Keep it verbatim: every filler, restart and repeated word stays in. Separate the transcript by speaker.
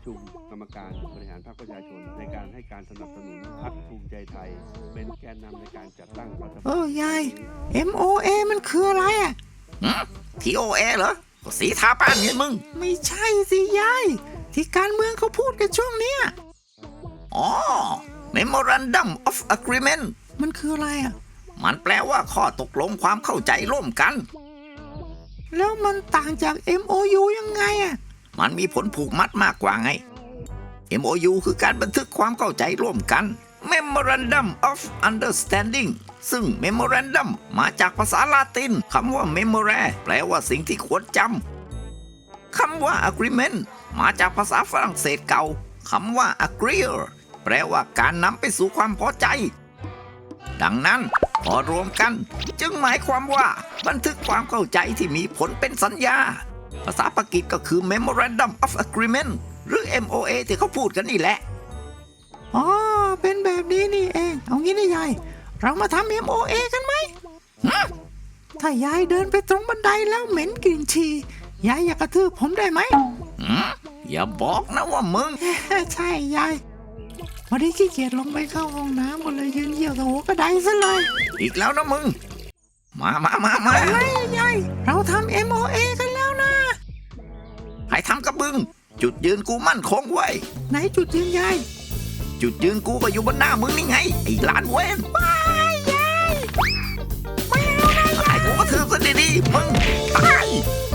Speaker 1: ชุมกรรมการบริหารพรรคประชาชนในการให้การสนับสนุนพรรคภูมิใจไทยเป็นแกนนำในการจัดตั้งรัฐบาล
Speaker 2: เออยาย เอ็ม โอ เอ มันคืออะไรอ่ะ
Speaker 3: ที โอ เอ เหรอก็สีทาแป้งไงมึง
Speaker 2: ไม่ใช่สิยาย ที่การเมืองเขาพูดกันช่วงเนี้ย
Speaker 3: อ๋อ Memorandum of Agreement
Speaker 2: มันคืออะไรอ่ะ
Speaker 3: มันแปลว่าข้อตกลงความเข้าใจร่วมกัน
Speaker 2: แล้วมันต่างจาก เอ็ม โอ ยู ยังไงอ่ะ
Speaker 3: มันมีผลผูกมัดมากกว่าไง เอ็ม โอ ยู คือการบันทึกความเข้าใจร่วมกัน Memorandum of Understanding ซึ่ง Memorandum มาจากภาษาลาตินคำว่า memore แปลว่าสิ่งที่ควรจำคำว่า agreement มาจากภาษาฝรั่งเศสเก่าคำว่า agree แปลว่าการนำไปสู่ความพอใจ ดังนั้นพอรวมกันจึงหมายความว่าบันทึกความเข้าใจที่มีผลเป็นสัญญา ภาษาปากีสก็คือ Memorandum of Agreement หรือ เอ็ม โอ เอ ที่เขาพูดกันนี่แหละ
Speaker 2: อ๋อ เป็นแบบนี้นี่เอง เอางี้นะยาย เรามาทำ เอ็ม โอ เอ กันไหม ถ้ายายเดินไปตรงบันไดแล้วเหม็นกลิ่นฉี่ยายอยากกระทืบผมได้ไหม
Speaker 3: หืมอย่าบอกนะว่ามึง
Speaker 2: ใช่ยายวันนี้ขี้เกียจลงไปเข้าห้องน้ำก็เลยยืนเยี่ยวตะโหกระไดซะเลย
Speaker 3: อีกแล้วนะมึง มามามามา
Speaker 2: อะไรยาย เราทำ เอ็ม โอ เอ กันแล้วนะ
Speaker 3: ให้ทำกับมึง จุดยืนกูมั่นคงไว้
Speaker 2: ไหนจุดยืนยาย
Speaker 3: จุดยืนกูก็อยู่บนหน้ามึงนี่ไง ไอ้หลานเว้น
Speaker 2: ไม่ยาย ไม่เอานะ
Speaker 3: ไอ้กูก็ถือซะดีๆมึงตาย